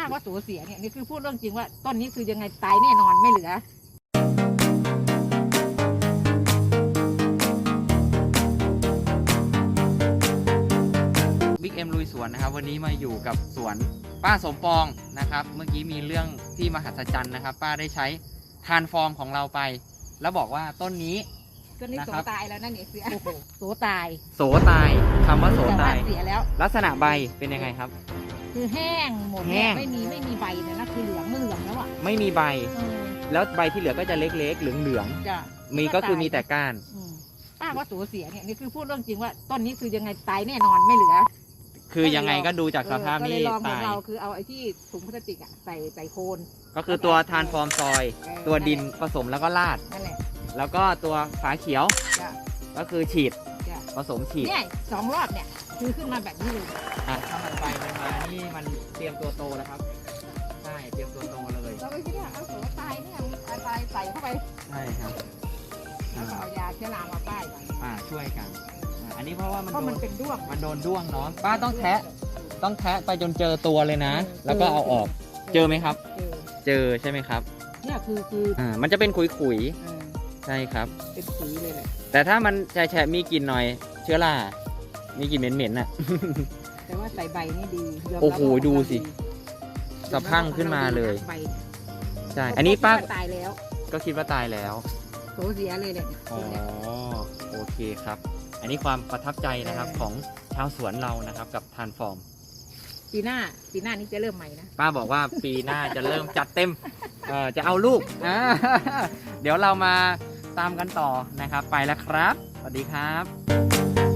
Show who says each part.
Speaker 1: ว่าสูญเสียเนี่ยนี่คือพูดเรื่องจริงว่าต้นนี้คือยังไงตายแน่นอนไม่เหลือ
Speaker 2: บิ๊กเอ็มลุยสวนนะครับวันนี้มาอยู่กับสวนป้าสมปองนะครับเมื่อกี้มีเรื่องที่มหัศจรรย์นะครับป้าได้ใช้ทานฟอร์มของเราไป แล้วบอกว่าต้นนี้
Speaker 1: โสตายแล้วนั่นเนี่ยเสียโสตาย
Speaker 2: โสตายคำว่าโสตาย
Speaker 1: เสียแล้ว
Speaker 2: ลักษณะใบเป็นยังไงครับ
Speaker 1: คือแห้งหมดไม่มีใบเลยนะคือเหลืองแล้วอ่ะ
Speaker 2: ไม่มีใบแล้วใบที่เหลือก็จะเล็กๆเหลืองๆมีก็คือมีแต่ก้าน
Speaker 1: ป้าว่าสูญเสียเนี่ยนี่คือพูดเรื่องจริงว่าต้นนี้คือยังไงตายแน่นอนไม่เหลือ
Speaker 2: คือยังไงก็ดูจากสภาพนี้
Speaker 1: ตายเราคือเอาไอ้ที่ถุงพลาสติกอ่ะใส่โคน
Speaker 2: ก็คือตัวทานฟอร์มซอยตัวดินผสมแล้วก็ราด
Speaker 1: นั่นแหละ
Speaker 2: แล้วก็ตัวฝาเขียวก็คือฉีดผสมฉีด
Speaker 1: เนี่ย2 รอบเนี่ยคือขึ้นมาแบบนี้เลย
Speaker 2: ทำใบมันมานี่มันเตรียมตัวโตแล้วครับใช่เตรียมตัวโตเลย
Speaker 1: เราไปคิดว่าเอาโสตายเนี่ยตายใส่เข้าไป
Speaker 2: ใช่ครับ
Speaker 1: เอายาเชื้อรามาป้ายกัน
Speaker 2: ช่วยกันอันนี้เพราะว่า
Speaker 1: มันเป็นด้วง
Speaker 2: มันโดนด้วงเนาะป้าต้องแทะไปจนเจอตัวเลยนะแล้วก็เอาออกเจอไหมครับเจอใช่ไหมครับ
Speaker 1: เนี่ยคือ
Speaker 2: มันจะเป็นขุยใช่ครับ
Speaker 1: เป็นขุยเลยแหละ
Speaker 2: แต่ถ้ามันแฉะมีกลิ่นหน่อยเชื้อรามีกลิ่นเหม็นๆน่ะ
Speaker 1: แต่ว่าใส่ใบนี่ดี
Speaker 2: โอ้โหดูสิสะพังขึ้นมาเลยใช่อันนี้ป้า
Speaker 1: ตายแล้ว
Speaker 2: ก็คิดว่าตายแล้ว
Speaker 1: โสเสียเลยแหละ
Speaker 2: อ๋อโอเคครับอันนี้ความประทับใจนะครับของชาวสวนเรานะครับกับทานฟอร์ม
Speaker 1: ปีหน้านี้จะเริ่มใหม่นะ
Speaker 2: ป้าบอกว่าปีหน้าจะเริ่มจัดเต็มจะเอาลูกเดี๋ยวเรามาตามกันต่อนะครับไปแล้วครับสวัสดีครับ